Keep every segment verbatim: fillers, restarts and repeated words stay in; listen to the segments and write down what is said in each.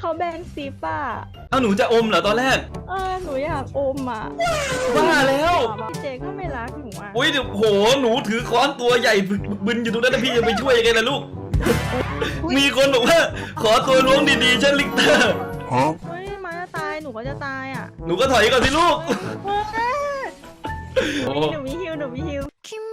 เขาแบนซิปอ่ะเอาหนูจะอมเหรอตอนแรกเออหนูอยากอมอ่ะบ้าแล้วพี่เจก็ไม่รักหนูอ่ะอุ้ยเดี๋ยวโหหนูถือค้อนตัวใหญ่บึกบึนอยู่ตรงนั้นนะพี่จะไปช่วยยังไงล่ะลูกมีคนบอกว่าขอตัวล้วงดีๆเช่นลิกเตอร์เฮ้ยมาจะตายหนูก็จะตายอ่ะหนูก็ถอยก่อนสิลูกหนูมีฮิวหนูมีฮิว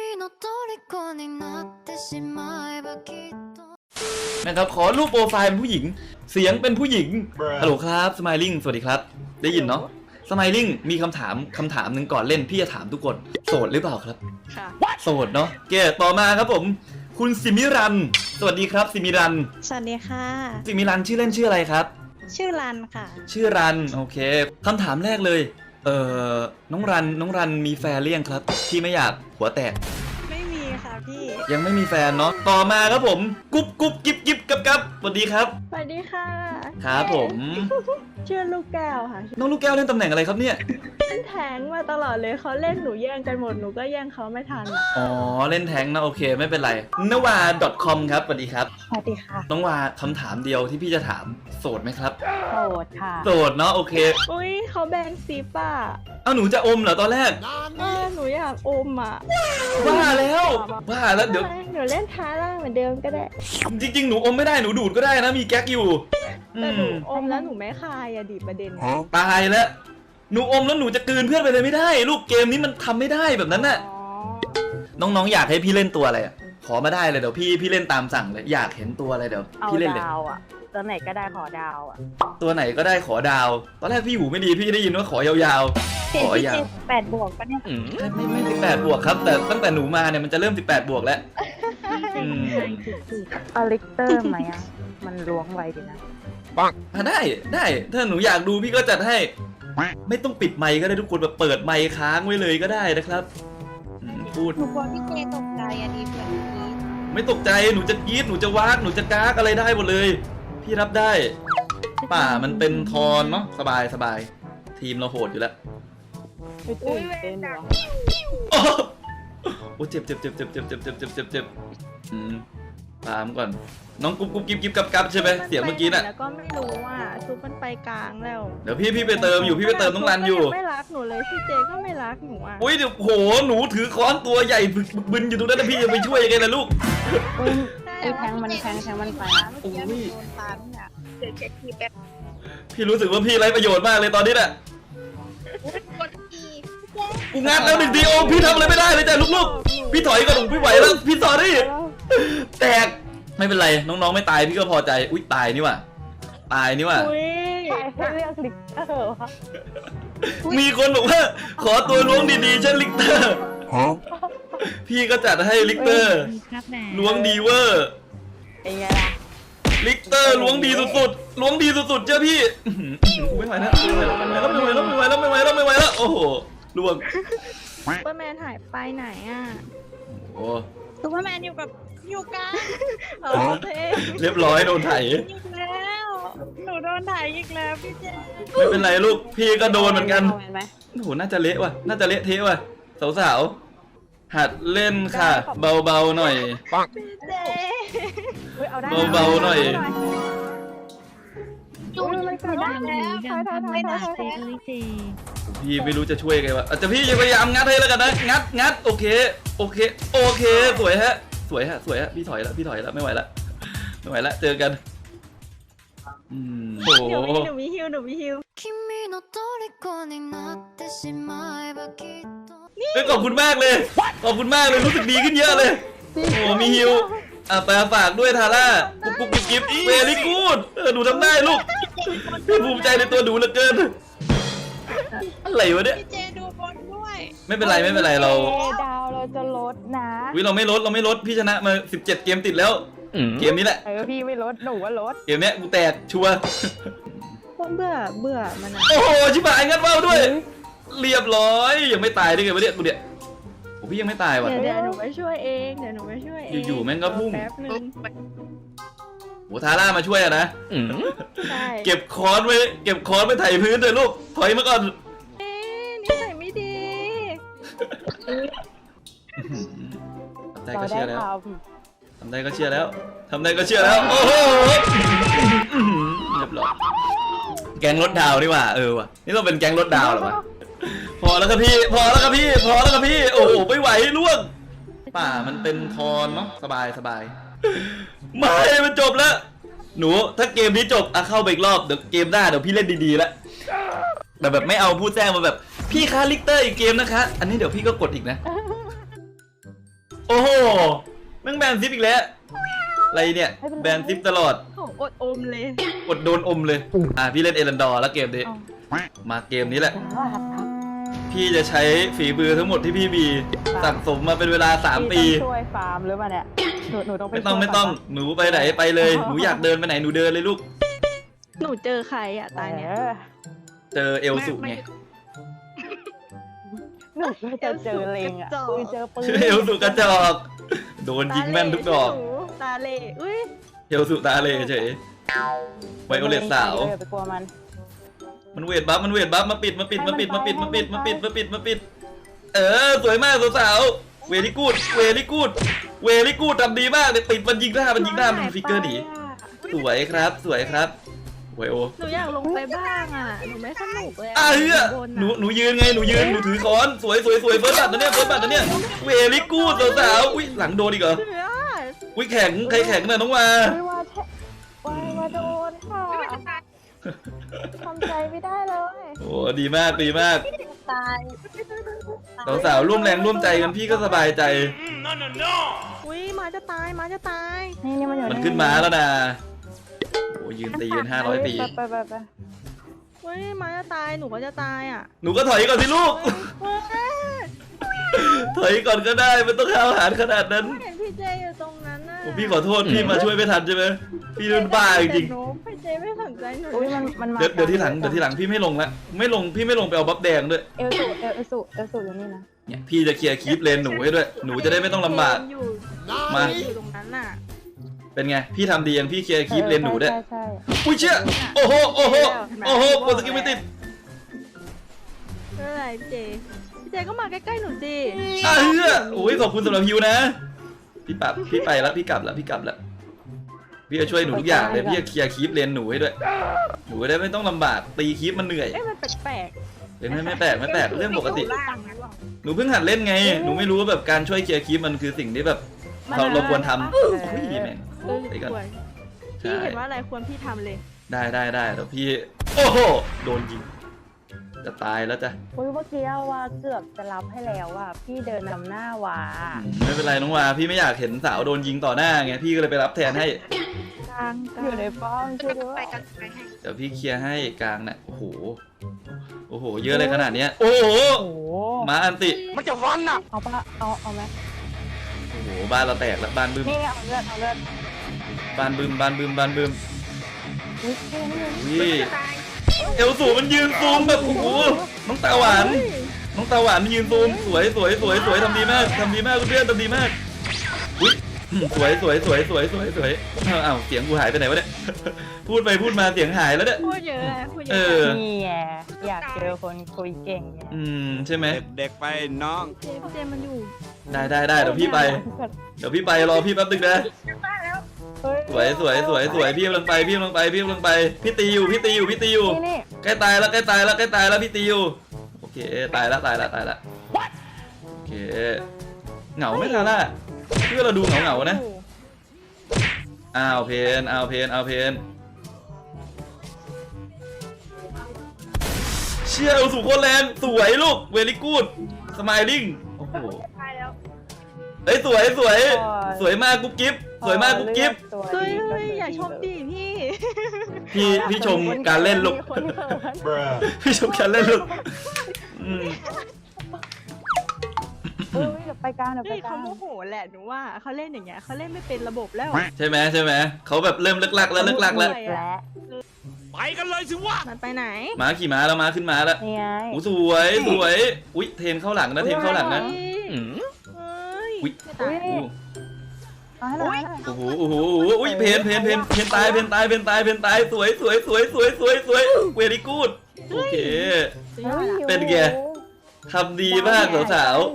นะครับขอรูปโปรไฟล์เป็นผู้หญิงเสียงเป็นผู้หญิงฮัลโหลครับสไมลิ่งสวัสดีครับได้ยินเนาะสไมลิ่งมีคำถามคำถามหนึ่งก่อนเล่นพี่จะถามทุกคนโสดหรือเปล่าครับค่ะโสดเนาะเกตต่อมาครับผมคุณสิมิรันสวัสดีครับสิมิรันสวัสดีค่ะสิมิรันชื่อเล่นชื่ออะไรครับชื่อรันค่ะชื่อรันโอเคคำถามแรกเลยเอ่อน้องรันน้องรันมีแฟนหรือยังครับพี่ไม่อยากหัวแตกไม่มีค่ะพี่ยังไม่มีแฟนเนาะต่อมาครับผมกุ๊บกุ๊บกิ๊บกิ๊บกับกับสวัสดีครับสวัสดีค่ะครับผมชื่อลูกแก้วค่ะน้องลูกแก้วเล่นตำแหน่งอะไรครับเนี่ยเล่นแทงมาตลอดเลยเขาเล่นหนูแย่งกันหมดหนูก็แย่งเขาไม่ทันอ๋อเล่นแทงนะโอเคไม่เป็นไรนวา .com ครับสวัสดีครับสวัสดีค่ะน้องวาคำถามเดียวที่พี่จะถามโสดไหมครับโสดค่ะโสดเนาะโอเคอุ้ยเขาแบนซิปอ่ะเอาหนูจะอมเหรอตอนแรกเออหนูอยากอมอ่ะบ้าแล้วบ้าแล้วเดี๋ยวหนูเล่นท้าล่างเหมือนเดิมก็ได้จริงๆหนูอมไม่ได้หนูดูดก็ได้นะมีแก๊กอยู่แต่หนูอมแล้วหนูไม่คายอะดิประเด็นตายแล้วหนูอมแล้วหนูจะกลืนเพื่อนไปเลยไม่ได้ลูกเกมนี้มันทำไม่ได้แบบนั้นน่ะน้องๆอยากให้พี่เล่นตัวอะไรขอมาได้เลยเดี๋ยวพี่พี่เล่นตามสั่งเลยอยากเห็นตัวอะไรเดี๋ยวพี่เล่นเลยดาวอะตัวไหนก็ได้ขอดาวอะตัวไหนก็ได้ขอดาวตอนแรกพี่หูไม่ดีพี่ได้ยินว่าขอยาวๆขอยาวแปดบวกปะเนี่ยไม่ไม่สิบแปดบวกครับแต่ตั้งแต่หนูมาเนี่ยมันจะเริ่มสิบแปดบวกแล้วเอาลิกเตอร์ไหมอะมันล้วงไวดีนะปังได้ได้ถ้าหนูอยากดูพี่ก็จัดให้ไม่ต้องปิดไมค์ก็ได้ทุกคนแบบเปิดไมค์ค้างไว้เลยก็ได้นะครับพูดหนูกลัวพี่เจตกใจอะดิเพื่อนกี้ไม่ตกใจหนูจะกรี๊ดหนูจะวากหนูจะก้ากอะไรได้หมดเลยพี่รับได้ป่ามันเป็นทอนเนาะสบายสบายทีมเราโหดอยู่แล้วไม่ตื่นเต้นหรอโอ้เจ็บเจ็บเจ็บเจ็บเจ็บเจ็บเจ็บเจ็บเจ็บเจ็บอืมตามก่อนน้องกุ๊บกุ๊บกิ๊บกิ๊บกับกับใช่ไหมเสียงเมื่อกี้น่ะแล้วก็ไม่รู้ว่าซุปมันไปกลางแล้วเดี๋ยวพี่พี่ไปเติมอยู่พี่ไปเติมน้องรันอยู่ไม่รักหนูเลยพี่เจก็ไม่รักหนูอ่ะอุ้ยเดี๋ยวโหหนูถือค้อนตัวใหญ่บึกบึนอยู่ตรงนั้นนะพี่จะไปช่วยยังไงล่ะลูกอุ้ยแทงมันแทงแทงมันไปอุ้ยเดี๋ยวเช็คทีแป๊บพี่รู้สึกว่าพี่ไร้ประโยชน์มากเลยตอนนี้แหละกูงัดแล้วหนึ่งทีโอพี่ทำอะไรไม่ได้เลยจ้ะลูกๆพี่ถอยก่อนพี่ไหวแล้วพี่สอรี่แตกไม่เป็นไรน้องๆไม่ตายพี่ก็พอใจอุ๊ยตายนี่ว่ะตายนี่ว่ะให้เลือกลิกเตอร์วะมีคนบอกว่าขอตัวล้วงดีๆเช่นลิกเตอร์พี่ก็จัดให้ลิกเตอร์ล้วงดีเวอร์เป็นไงล่ะลิกเตอร์ล้วงดีสุดๆล้วงดีสุดๆเจ้าพี่ไม่ไหวแล้วไม่ไหวแล้วไม่ไหวแล้วไม่ไหวแล้วไม่ไหวแล้วไม่ไหวแล้วโอ้โหล้วงซูเปอร์แมนหายไปไหนอ่ะโอ้ซูเปอร์แมนอยู่กับอยู่กันเรียบร้อยโดนไถอีกแล้วหนูโดนไถอีกแล้วพี่เจไม่เป็นไรลูกพี่ก็โดนเหมือนกันโอ้โหน่าจะเละว่ะน่าจะเละเทะว่ะสาวๆหัดเล่นค่ะเบาๆหน่อยปังเบาๆหน่อยจูนไม่ได้แล้วไม่ได้พี่ไม่รู้จะช่วยไงวะอาจจะพี่พยายามงัดให้แล้วกันนะงัดงัดโอเคโอเคโอเคสวยฮะสวยฮะสวยฮะพี่ถอยแล้วพี่ถอยแล้วไม่ไหวแล้วไม่ไหวแล้วเจอกันอืมโอ้โหหนูมีฮิวหนูมีฮิวนี่ขอบคุณมากเลยขอบคุณมากเลยรู้สึกดีขึ้นเยอะเลยโอ้โหมีฮิวอ่ะไปฝากด้วยทาร่ากุ๊บกุ๊บกิ๊บกิ๊บเวลี่กูดเออหนูทำได้ลูกพี่ภูมิใจในตัวหนูเหลือเกินอะไรวะเนี่ยพี่เจดูบอลด้วยไม่เป็นไรไม่เป็นไรเราดาวเราจะลดนะวิเราไม่ลดเราไม่ลดพี่ชนะมาสิบเจ็ดเกมติดแล้วเกมนี้แหละเออพี่ไม่ลดหนูว่าลดเกมนี้กูแตกชัวร์เบื่อเบื่อมันโอ้โหชิบหายงัดเบ้าด้วยเรียบร้อยยังไม่ตายได้ไงวะเนี่ยกูเนี่ยโอ้พี่ยังไม่ตายว่ะเดี๋ยวหนูไปช่วยเองเดี๋ยวหนูไปช่วยเองอยู่ๆแม่งก็พุ่งแป๊บนึงโหทาร่ามาช่วยอะนะเก็บค้อนไว้เก็บค้อนไปไถพื้นเลยลูกถอยมาก่อนนี่ใส่ไม่ดีใจก็เชื่อแล้วทำได้ก็เชื่อแล้วทำได้ก็เชื่อแล้วโอ้โหเรียบร้อยแก๊งรถดาวนี่หว่าเออว่ะนี่ต้องเป็นแก๊งรถดาวเหรอวะพอแล้วครับพี่พอแล้วครับพี่พอแล้วครับพี่โอ้โหไม่ไหวล่วงป่ามันเป็นคอนเนาะสบายสบายไม่มันจบแล้วหนูถ้าเกมนี้จบอ่ะเข้าไปอีกรอบเดี๋ยวเกมหน้าเดี๋ยวพี่เล่นดีๆแล้วแต่แบบไม่เอาพูดแจ้งมาแบบพี่คะลิกเตอร์อีกเกมนะคะอันนี้เดี๋ยวพี่ก็กดอีกนะโอ้โหแม่งแบนซิปอีกแล้วอะไรเนี่ยแบนซิปตลอดของอดอมเลยกดโดนอมเลยอ่ะพี่เล่นเอรันดอร์แล้วเกมนี้มาเกมนี้แหละพี่จะใช้ฝีมือทั้งหมดที่พี่มีสั่งสมมาเป็นเวลาสามปีช่วยฟาร์มหรือเปล่าเนี่ยหนูหนูต้องไปไม่ต้องไม่ต้องหนูไปไหนไปเลยหนูอยากเดินไปไหนหนูเดินเลยลูกหนูเจอใครอ่ะตายเนี่ยเจอเอลสุไงหนูก็จะเจอเลงอ่ะปืนเจอปืนเอลสุกระจอกโดนยิงแม่นทุกดอกตาเล่อุ้ยเอลสุตาเลยเฉยไวโอเลตสาวไปกลัวมันมันเวทบัฟมันเวทบัฟมาปิดมาปิดมาปิดมาปิดมาปิดมาปิดมาปิดมาปิดเออสวยมากสาวๆเวลี่กูดเวลี่กูดเวลี่กูดทำดีมากเลยปิดมันยิงหน้ามันยิงหน้ามันฟิกเกอร์หนีสวยครับสวยครับไวโอหนูอยากลงไปบ้างอ่ะหนูไม่สนุกเลยอ่ะเฮ้ยหนูหนูยืนไงหนูยืนหนูถือค้อนสวยสวยสวยเฟิร์สบัตนะเนี่ยเฟิร์สบัตนะเนี่ยเวลี่กูดสาวๆอุ้ยหลังโดนอีกเหรออุ้ยแข็งใครแข็งเนี่ยน้องวาไม่ว่าแช่ว่าว่าโดนค่ะทำใจไม่ได้เลยโอ้ดีมากดีมากตายสาวๆร่วมแรงร่วมใจกันพี่ก็สบายใจอุ้ยมาจะตายมาจะตายนี่นี่มันอยู่มันขึ้นมาแล้วนะโอ้ยืนตีกันห้าร้อยปีไปไปไปอุ้ยมาจะตายหนูก็จะตายอ่ะหนูก็ถอยก่อนสิลูก ถอยก่อนก็ได้ไม่ต้องข้าวหารขนาดนั้นเห็นพี่เจอยู่ตรงนั้นน่ะโอ้พี่ขอโทษพี่มาช่วยไม่ทันใช่ไหมพี่เป็นบ้าจริงพี่เจไม่สนใจหนูอุ้ยมันมันมาเดี๋ยวเดี๋ยวที่หลังเดี๋ยวที่หลังพี่ไม่ลงละไม่ลงพี่ไม่ลงไปเอาบัฟแดงด้วยเอลสุเอลสุเอลสุอยู่นี่นะเนี่ยพี่จะเคลียร์คีปเลนหนูให้ด้วยหนูจะได้ไม่ต้องลำบากอยู่มาอยู่ตรงนั้นน่ะเป็นไงพี่ทำดียังพี่เคลียร์คีปเลนหนูด้วยใช่ใช่อุ้ยเชี่ยโอ้โหโอ้โหโอ้โหกดสกิลไม่ติดไม่เป็นไรพี่เจพี่เจก็มาใกล้ๆหนูสิอ่ะเฮ้ยโอ้ยขอบคุณสำหรับฮิวนะพี่ปับพี่ไปแล้วพี่กลับแล้วพี่กลับแล้วพี่จะช่วยหนูทุกอย่างเลยพี่จะเคลียร์คีปเลนหนูให้ด้วยหนูจะได้ไม่ต้องลำบากตีคีปมันเหนื่อยเอ๊ะมันแปลกเห็นไหมไม่แปลกไม่แปลกเรื่องปกติล่างนะหรอหนูเพิ่งหัดเล่นไงหนูไม่รู้ว่าแบบการช่วยเคลียร์คีปมันคือสิ่งที่แบบเราเราควรทำอุ้ยแม่งเออไปก่อนควรพี่เห็นว่าอะไรควรพี่ทำเลยได้ได้ได้แล้วพี่โอ้โหโดนยิงจะตายแล้วจ้ะอุ้ยเมื่อกี้ว่าเกือบจะรับให้แล้วอ่ะพี่เดินนำหน้าว่าไม่เป็นไรน้องวาพี่ไม่อยากเห็นสาวโดนยิงต่อหน้าไงพี่ก็เลยไปรับแทนให้กลางกลางอยู่ในป้อมช่วยด้วยเดี๋ยวพี่เคลียร์ให้กลางน่ะโอ้โหโอ้โหเยอะเลยขนาดเนี้ยโอ้โหโอ้โหมาอันติมันจะฟันอ่ะเอาปะเอาเอาไหมโอ้โหบ้านเราแตกแล้วบ้านบึ้มนี่เอาเลือดเอาเลือดบ้านบึ้มบ้านบึ้มบ้านบึ้มอุ้ยเท่นี่วิเอลสูมันยืนซูมแบบโอ้โหน้องตาหวานน้องตาหวานยืนซูมสวยสวยสวยสวยทำดีมากทำดีมากเพื่อนทำดีมากอุ้ยสวยสวยสวยสวยสวยสวยอ้าวอ้าวเสียงกูหายไปไหนวะเนี่ยพูดไปพูดมาเสียงหายแล้วเนี่ยพูดเยอะอะพูดเยเออะอนี่ไงอยากเจอคนคุยเก่งไงอืมใช่ไหมเด็กๆไปน้องเจพี่เจมันอยู่ได้ได้ได้เดี๋ยวพี่ไปเดี๋ยวพี่ไปรอพี่แป๊บนึงนะ สวยสวยสวยสวยพี่กำลังไปพี่กำลังไปพี่กำลังไปพี่ตีอยู่พี่ตีอยู่พี่ตีอยู่นี่นี่ใกล้ตายแล้วใกล้ตายแล้วใกล้ตายแล้วพี่ตีอยู่โอเคตายแล้วตายแล้วตายแล้วโอเคเหงาไหม่ทาร่าพี่ว่าเราดูเหงาเหงาๆนะอ้าวเพนอ้าวเพนอ้าวเพนเชี่ยเอาสู่โคตรแรงสวยลูกเวลี่กูดสมายลิงโอ้โหตายแล้วเอ้ยสวยสวยสวยมากกุ๊บกิ๊บสวยมากกุ๊บกิ๊บเฮ้ยเฮ้ยอย่าชมดิพี่พี่พี่ชมการเล่นลูกคนเขินพี่ชมการเล่นลูกอืมเฮ้ยเดี๋ยวไปกลางเดี๋ยวไปเฮ้ยกลาเขางโมโหแหละหนูว่าเขาเล่นอย่างเงี้ยเขาเล่นไม่เป็นระบบแล้วใช่ไหมใช่ไหมเขาแบบเริ่มเลิกลักแล้วเลิกลักแล้วและไปกันเลยสิวะมันไปไหนม้าขี่ม้าแล้วม้าขึ้นม้าแล้วนี่ไงโอ้สวยสวยอุ้ยเทนเข้าหลังนะเทนเข้าหลังนะอืมเฮ้ยอุ๊ยไม่ตายโอ้เอาให้หน่อยให้หน่อยโอ้โหโอ้โหอุ้ยเพนเพนเพนเพนตายเพนตายเพนตายเพนตายสวยสวยสวยสวยสวยสวยเวลี่กูดโอเคสุดยอดอะเป็นไง ทำดีมากสาวสาว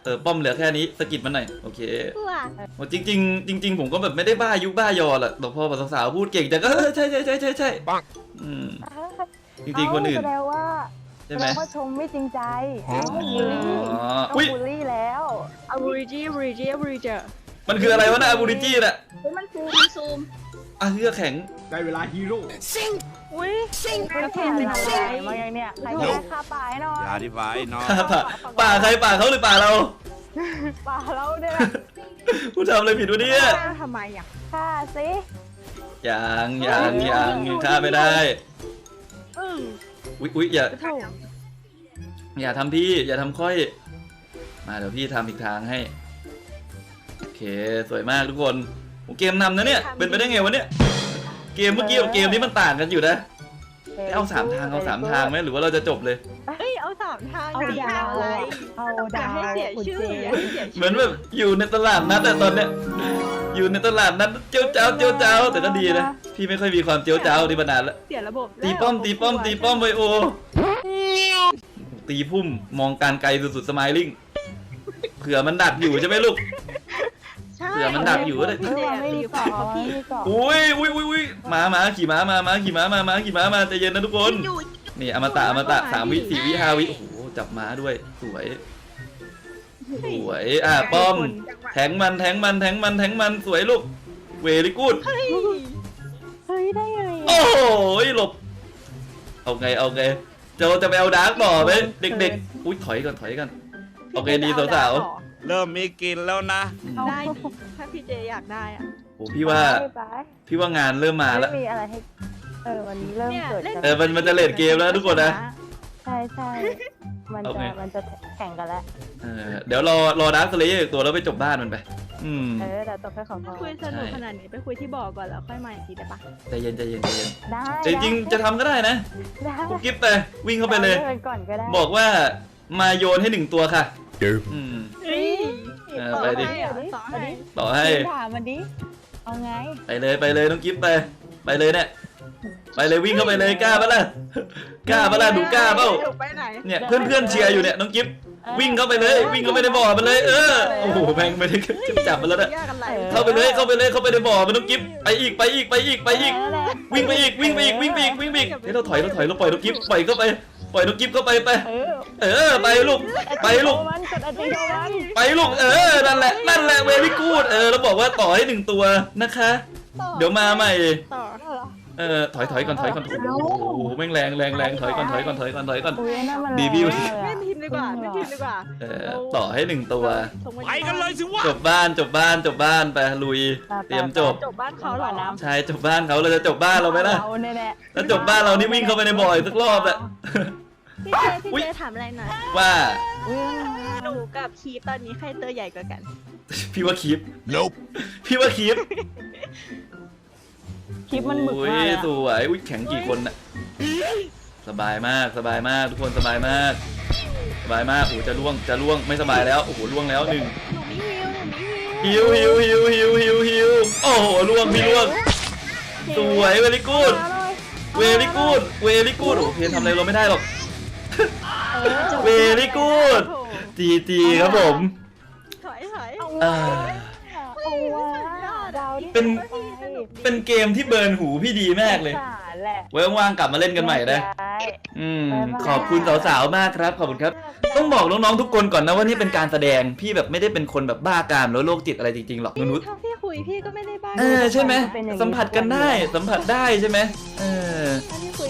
อป้อมเหลือแค่นี้สกิดมันหน่อยโอเคเพื่อโอ้จริงๆจริง ๆ ผมก็แบบไม่ได้บ้ายุบ้ายอแหละแต่พอสาวๆพูดเก่งแต่ก็เออใช่ใช่ใช่ใช่ใช่ปังอืมจริงๆคนอื่นแสดงว่าใช่แสไหมดงว่าชมไม่จริงใจอ๋อต้องบูลลี่อ๋อต้องอุ้ยบูลลี่แล้วอาบูริจีบูริจีบูริจีมันคืออะไรวะนะอาบูริจี้น่ะเฮ้ยมันซูมมันซูมอ่ะเรือแข็งได้เวลาฮีโร่อุ้ยซิงไม่ผ่านอะไรมาอย่างเนี้ยใครก็ได้ค่าป่าให้หน่อยอย่าอธิบายน้องป่าป่าใครป่าเขาหรือป่าเราป่าเราเนี่ยผู้ทำอะไรผิดวะเนี่ยทำไมอ่ะค่าสิยังยังยังยังฆ่าไม่ได้อืออุ๊ยอุ๊ยอย่าโถ่อย่าทำพี่อย่าทำค่อย มาเดี๋ยวพี่ทำอีกทางให้โอเคสวยมากทุกคนโอ้เกมนำนะเนี่ยเป็นไปได้ไงวะเนี่ยเกมเมื่อกี้กับเกมนี้มันต่างกันอยู่นะเอาสามทางเอาสามทางไหมหรือว่าเราจะจบเลยเอ้ยเอาสามทางเอาดาวอะไรเอาอดาย่าว ให้เสียชื่ออย่าให้เสียเหชื่อมือนแบบอยู่ในตลาดนัดแต่ตอนเนี้ยอยู่ในตลาดนัดเจียวเจ้าเจียวเจ้าแต่ก็ดีนะพี่ไม่ค่อยมีความเจียวเจ้าที่มานานแล้วเสียระบบตีป้อมตีป้อมตีป้อมไวโอตีพุ่มมองการไกลสุดๆสไมลิ่งเผื่อมันดักอยู่ใช่ไหมลูกใช่เผื่อมันดักอยู่ก็ได้เออไม่มีเกาะไม่มีเกาะอุ้ยอุ้ยอุ้ยอุ้ยมามาขี่ม้ามามาขี่ม้ามามาขี่ม้ามาใจเย็นนะทุกคนอยู่นี่อมตะอมตะสามวิสี่วิห้าวิโอ้โหจับม้าด้วยสวยสวยอ่ะป้อมแทงมันแทงมันแทงมันแทงมันสวยลูกเวลิกูดเฮ้ยเฮ้ยได้ไงโอ้โหหลบเอาไงเอาไงจะจะไปเอาดาร์กต่อไหมเด็กๆอุ้ยถอยก่อนถอยก่อนโอเคดีสาวเริ่มมีกลินแล้วนะๆได้ดิถ้าพี่เจอยากได้อ่ะโอ้พี่ว่าไปไปพี่ว่างานเริ่มมาแล้วไม่มีอะไรให้เออวันนี้เริ่มเกิดกันเออมันมันจะเลดเกมแล้วทุกคนนะใช่ใช่มันเอาจะไงมันจะแข่งกันแล้วเออเดี๋ยวรอรอดาร์คสเลเยอร์อีกตัวแล้วไปจบบ้านมันไป อืมเออแต่ตัวแค่ของเขาคุยสนุกขนาดนี้ไปคุยที่บ่อก่อนแล้วค่อยมาอีกทีได้ปะใจเย็นใจเย็นใจเย็นได้จริงๆจะทำก็ได้นะได้กุ๊บกิ๊บไปวิ่งเข้าไปเลยดินก่อนก็ได้บอกว่ามาโยนให้หนึ่งตัวค่ะ อืมเฮ้ยเออไปดิต่อให้ต่อให้ถามมันดิเอาไงไปเลยไปเลยน้องกิ๊บไป ไปเลยเนี่ยไปเลยวิ่งเข้าไปเลยกล้าปะล่ะกล้าปะล่ะหนูกล้าเปล่าไปไหนเนี่ยเพื่อนเพื่อนๆเชียร์อยู่เนี่ยน้องกิ๊บวิ่งเข้าไปเลย วิ่งเข้าไปในบ่อมันเลย เออโอ้โหแม่งไม่ได้จับมันแล้วนะยากกันไหลเข้าไปเลยเข้าไปเลยเข้าไปในบ่อมันน้องกิ๊บไปอีกไปอีกไปอีกไปอีกนั่นแหละวิ่งไปอีกวิ่งไปอีกวิ่งไปอีกวิ่งไปอีกเฮ้ยเราถอยเราถอยเราปล่อยน้องกิ๊บปล่อยเข้าไปปล่อยน้องกิ๊บเข้าไปไปเออเออไปลูกไปลูกมันกดอันติโดมันไปลูกเออนั่นแหละนั่นแหละเวลี่กูดเออแล้วบอกว่าต่อให้หนึ่งตัวนะคะ เดี๋ยวมาใหม่ต่อเออถอยถอยก่อนถอยก่อนโอ้โหแม่งแรงแรงแรงถอยก่อนถอยก่อนถอยก่อนถอยก่อนอุ้ยนั่นมันดีพี่แรงมากเลยไม่อะพิมพ์ดีกว่าไม่พิมพ์ดีกว่าเออต่อให้หนึ่งตัวไปกันเลยสิวะจบบ้านจบบ้านจบบ้านไปลุยเตรียมจบจบบ้านเขาเหรอน้ำใช่จบบ้านเขาเราจะจบบ้านเราไหมล่ะเราเนี่ยแหละถ้าจบบ้านเรานี่วิ่งเข้าไปในบ่อยสักรอบละพี่เจพี่เจถามอะไรหน่อยว่าอุ้ยหนูกับคีตอนนี้ใครตัวใหญ่กว่ากันพี่ว่าคลิป Nope พี่ว่าคลิปคลิปมันหมึกอุ้มากยเลยสวยอุ้ยแข็งกี่คนน่ะสบายมากสบายมากทุกคนสบายมากสบายมากโอ้โหจะล่วงจะล่วงไม่สบายแล้วโอ้โหล่วงแล้วหนึ่งหนูมีฮิวหนูมีฮิวฮิวฮิวฮิวฮิวฮิวฮิวโอ้โหล่วงพี่ล่วงสวยเวลิกูดเวลิกูดเวลิกูดโอ้โหเพนทำอะไรเราไม่ได้หรอกเวลิกูดจีจีครับผมถอยถอยอ่าเอาว่ะดาวที่เป็นไปเป็นเกมที่เบิร์นหูพี่ดีมากเลยสารแหละไว้ว่างๆกลับมาเล่นกันใหม่นะใช่อืมขอบคุณสาวๆมากครับขอบคุณครับ ต้องบอกน้องๆทุกคนก่อนนะว่านี่เป็นการแสดงพี่แบบไม่ได้เป็นคนแบบบ้ากามหรือโรคจิตอะไรจริงๆหรอกนุชถ้าพี่คุยพี่ก็ไม่ได้บ้าเออใช่ไหมสัมผัสกันได้สัมผัสได้ใช่ไหมเออถ้าพี่คุย